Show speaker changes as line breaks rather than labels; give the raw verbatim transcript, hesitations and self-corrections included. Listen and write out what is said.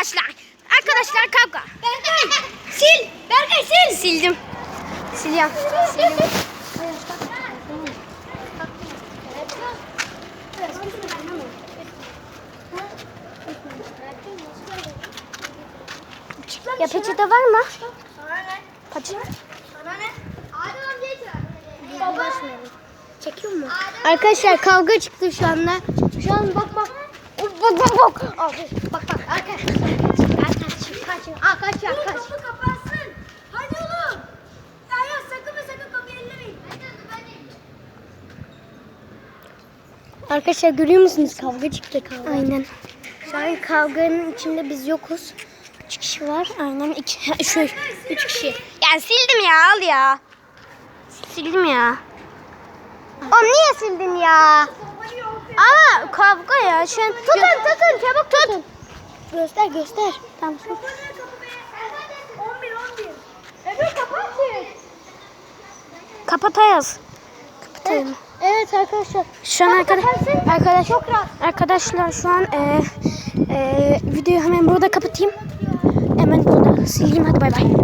arkadaşlar. Arkadaşlar kavga. Berkay sil. Berkay sil. Sildim. Siliyorum. Sildim. Ya peçete var mı?
Sana ne?
Peçete.
Sana ne? Adem amcayı çağır.
Çekiyor mu? Arkadaşlar kavga çıktı şu anda. Şu an bak bak. Bak bak bak. Abi, bak bak arkadaşlar. Kaç kaç kaç. Aa kaç ya
Dur,
kaç.
kapı kapansın. Hadi oğlum. Ya ya sakın ve sakın kapıyı ellemeyin. Hadi hadi hadi.
Arkadaşlar görüyor musunuz? Kavga çıktı kavga. Aynen. Şu an kavganın içinde biz yokuz. Üç kişi var. Aynen iki. Şu üç kişi. Ya sildim ya al ya. Sildim ya. Oğlum niye sildin ya? Ama kavga ya. Şu an tutun tutun çabuk tutun. Göster göster. Tamam.
Kapanıyor kapı be. on bir on bir. Ebru kapat ki.
Kapatayız. Kapatayım.
Evet arkadaşlar.
Şu an arkadaş, arkadaş, arkadaşlar şu an e, e, videoyu hemen burada kapatayım. Hemen burada sileyim hadi bay bay.